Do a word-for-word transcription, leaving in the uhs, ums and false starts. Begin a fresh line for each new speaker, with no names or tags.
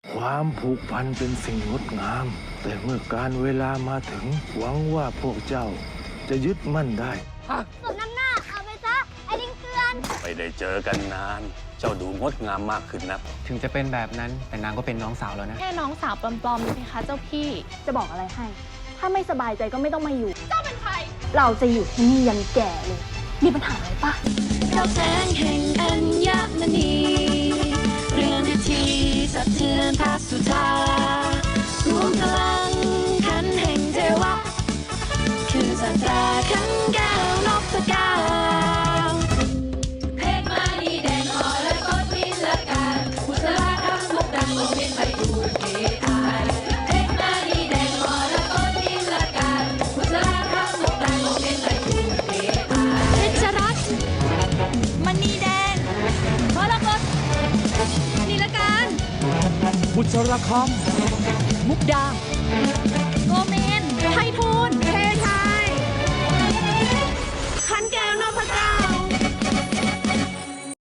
ความผูกพันเป็นสิ่งงดงาม แต่เมื่อการเวลามาถึงหวังว่าพวกเจ้าจะยึดมั่นได้
สมน้ำหน้าเอาไปซะ ไอ้ลิงเกลือน
ไม่ได้เจอกันนาน เจ้าดูงดงามมากขึ้นนะ
ถึงจะเป็นแบบนั้นแต่นางก็เป็นน้องสาวแล้วนะ
แค่น้องสาวปลอมๆสิคะเจ้าพี่
จะบอกอะไรให้ ถ้าไม่สบายใจก็ไม่ต้องมาอยู่
เจ้าเป็นใคร
เราจะอยู่ที่นี่ยันแก่เลย มีปัญหาอะไรปะ
เราแสงแห่งอัญมณีเรื่องนาทีสะเทือนพระสุธารวมพลังขันแห่งเทวะ คือสัตราขันแก้วนพเก้าเพชรมานีแดงอ่อนและกดนิลการบุษราคำมุกดังลงเป็นไปดูเกอายเพชรมานีแดงอ่อนและกดนิลการบุษราคำมุกดังลงเป็นไปดูเกอายเพชรรัตน์มณีแดงมรกตนิลการ
บุษรค
มุกดา